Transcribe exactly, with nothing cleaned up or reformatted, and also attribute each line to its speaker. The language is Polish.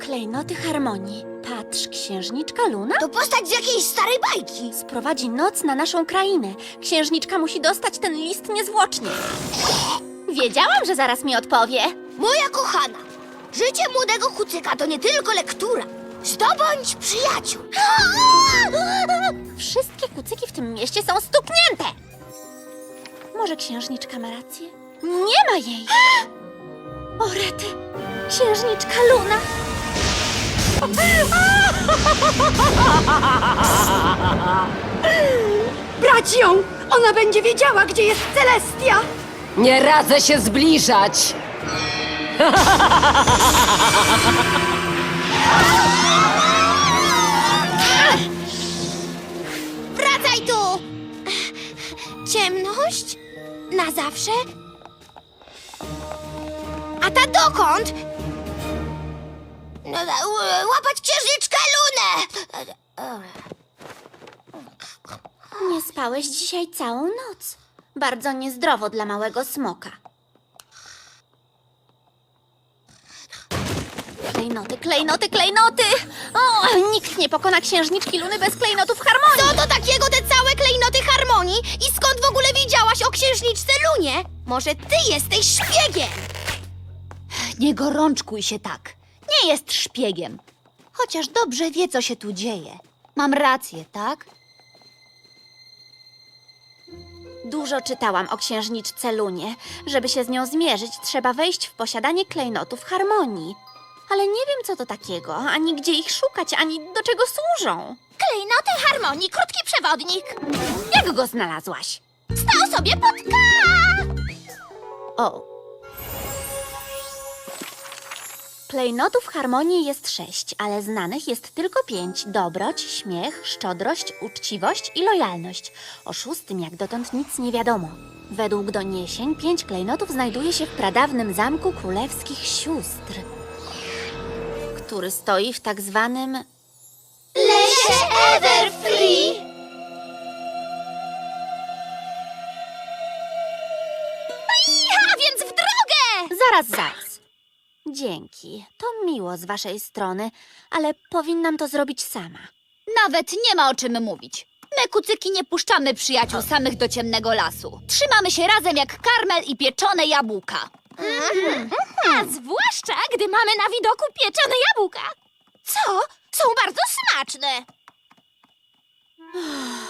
Speaker 1: Klejnoty harmonii. Patrz, księżniczka Luna
Speaker 2: To postać z jakiejś starej bajki.
Speaker 1: sprowadzi noc na naszą krainę. Księżniczka musi dostać ten list niezwłocznie. Wiedziałam, że zaraz mi odpowie.
Speaker 2: Moja kochana, życie młodego kucyka to nie tylko lektura. Zdobądź przyjaciół.
Speaker 1: Wszystkie kucyki w tym mieście są stuknięte. Może księżniczka ma rację? Nie ma jej! O rety! Księżniczka Luna!
Speaker 3: Brać ją! Ona będzie wiedziała, gdzie jest Celestia!
Speaker 4: Nie radzę się zbliżać!
Speaker 2: Wracaj tu! Ciemność? Na zawsze? A ta dokąd? No, e, łapać księżniczkę Lunę!
Speaker 1: Nie spałeś dzisiaj całą noc. Bardzo niezdrowo dla małego smoka. Klejnoty, klejnoty, klejnoty! O, nikt nie pokona księżniczki Luny bez klejnotów harmonii!
Speaker 2: Co to takiego te całe klejnoty harmonii? I skąd w ogóle wiedziałaś o księżniczce Lunie? Może ty jesteś szpiegiem?
Speaker 5: Nie gorączkuj się tak. Nie jest szpiegiem. Chociaż dobrze wie, co się tu dzieje. Mam rację, tak?
Speaker 1: Dużo czytałam o księżniczce Lunie. Żeby się z nią zmierzyć, trzeba wejść w posiadanie klejnotów harmonii. Ale nie wiem, co to takiego, ani gdzie ich szukać, ani do czego służą.
Speaker 2: Klejnoty harmonii, krótki przewodnik.
Speaker 1: Jak go znalazłaś?
Speaker 2: Stał sobie pod K.
Speaker 1: O. Klejnotów harmonii jest sześć, ale znanych jest tylko pięć. Dobroć, śmiech, szczodrość, uczciwość i lojalność. O szóstym jak dotąd nic nie wiadomo. Według doniesień pięć klejnotów znajduje się w pradawnym zamku królewskich sióstr, który stoi w tak zwanym...
Speaker 2: Lesie Everfree. A więc w drogę!
Speaker 1: Zaraz, zaraz. Dzięki. To miło z waszej strony, ale powinnam to zrobić sama.
Speaker 5: Nawet nie ma o czym mówić. My, kucyki, nie puszczamy przyjaciół samych do ciemnego lasu. Trzymamy się razem jak karmel i pieczone jabłka.
Speaker 2: A zwłaszcza, gdy mamy na widoku pieczone jabłka. Co? Są bardzo smaczne.